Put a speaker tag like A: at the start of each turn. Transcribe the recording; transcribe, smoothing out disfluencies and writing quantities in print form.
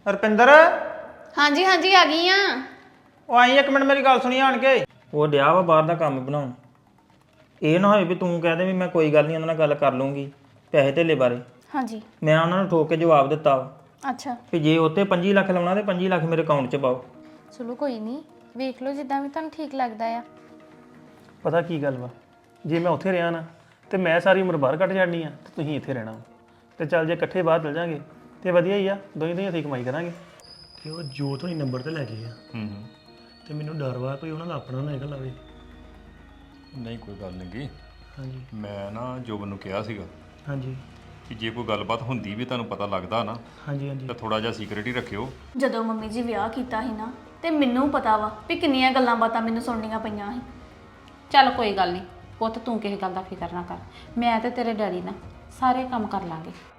A: ਰਪਿੰਦਰ
B: ਹਾਂਜੀ ਹਾਂਜੀ ਆ ਗਈ ਆ।
A: ਉਹ ਆਈ ਇੱਕ ਮਿੰਟ ਮੇਰੀ ਗੱਲ ਸੁਣੀ ਆਣ ਕੇ। ਉਹ ਡਿਆ ਵਾ ਬਾਹਰ ਦਾ ਕੰਮ ਬਣਾਉਣ। ਇਹ ਨਾ ਹੋਵੇ ਵੀ ਤੂੰ ਕਹਿ ਦੇ ਵੀ ਮੈਂ ਕੋਈ ਗੱਲ ਨਹੀਂ ਉਹਨਾਂ ਨਾਲ ਗੱਲ ਕਰ ਲੂੰਗੀ ਪੈਸੇ ਧੇਲੇ ਬਾਰੇ।
B: ਹਾਂਜੀ
A: ਮੈਂ ਉਹਨਾਂ ਨੂੰ ਠੋਕ ਕੇ ਜਵਾਬ ਦਿੱਤਾ ਵਾ
B: ਅੱਛਾ
A: ਵੀ ਜੇ ਉੱਤੇ 25 ਲੱਖ ਲਾਉਣਾ ਤੇ 25 ਲੱਖ ਮੇਰੇ ਅਕਾਊਂਟ 'ਚ ਪਾਓ।
B: ਚਲੋ ਕੋਈ ਨਹੀਂ ਵੇਖ ਲਓ ਜਿੱਦਾਂ ਵੀ ਤੁਹਾਨੂੰ ਠੀਕ ਲੱਗਦਾ ਆ।
C: ਪਤਾ ਕੀ ਗੱਲ ਵਾ, ਜੇ ਮੈਂ ਉੱਥੇ ਰਿਹਾ ਨਾ ਤੇ ਮੈਂ ਸਾਰੀ ਉਮਰ ਬਾਹਰ ਕੱਟ ਜਾਣੀ ਆ ਤੇ ਤੁਸੀਂ ਇੱਥੇ ਰਹਿਣਾ ਵਾ। ਤੇ ਚੱਲ ਜੇ ਇਕੱਠੇ ਬਾਹਰ ਚਲ ਜਾਾਂਗੇ ਤੇ ਵਧੀਆ ਹੀ ਆ, ਦੋਹੀਂ ਹੱਥੀਂ ਕਮਾਈ ਕਰਾਂਗੇ। ਤੇ ਉਹ ਜੋਤ ਹੋਣੀ ਨੰਬਰ ਤੇ ਲੈ ਗਏ ਆ। ਤੇ ਮੈਨੂੰ ਡਰ ਵਾ ਕੋਈ ਉਹਨਾਂ ਦਾ ਆਪਣਾ ਨਾ ਨਿਕਲ ਆਵੇ।
D: ਨਹੀਂ ਕੋਈ ਗੱਲ ਨਹੀਂ ਗੀ।
C: ਹਾਂਜੀ
D: ਮੈਂ ਨਾ ਜੋਬਨ ਨੂੰ ਕਿਹਾ ਸੀਗਾ
C: ਹਾਂਜੀ
D: ਕਿ ਜੇ ਕੋਈ ਗੱਲਬਾਤ ਹੁੰਦੀ ਵੀ ਤੁਹਾਨੂੰ ਪਤਾ ਲੱਗਦਾ ਨਾ
C: ਹਾਂਜੀ ਹਾਂਜੀ
D: ਤਾਂ ਥੋੜਾ ਜਿਹਾ ਸੀਕ੍ਰੀਟ ਹੀ ਰੱਖਿਓ।
E: ਜਦੋਂ ਮੰਮੀ ਜੀ ਵਿਆਹ ਕੀਤਾ ਸੀ ਨਾ ਤੇ ਮੈਨੂੰ ਪਤਾ ਵਾ ਵੀ ਕਿੰਨੀਆਂ ਗੱਲਾਂ ਬਾਤਾਂ ਮੈਨੂੰ ਸੁਣਨੀਆਂ ਪਈਆਂ ਸੀ।
F: ਚੱਲ ਕੋਈ ਗੱਲ ਨਹੀਂ ਪੁੱਤ, ਤੂੰ ਕਿਸੇ ਗੱਲ ਦਾ ਫਿਕਰ ਨਾ ਕਰ। ਮੈਂ ਤੇ ਤੇਰੇ ਡੈਡੀ ਨਾਲ ਸਾਰੇ ਕੰਮ ਕਰ ਲਾਂਗੇ।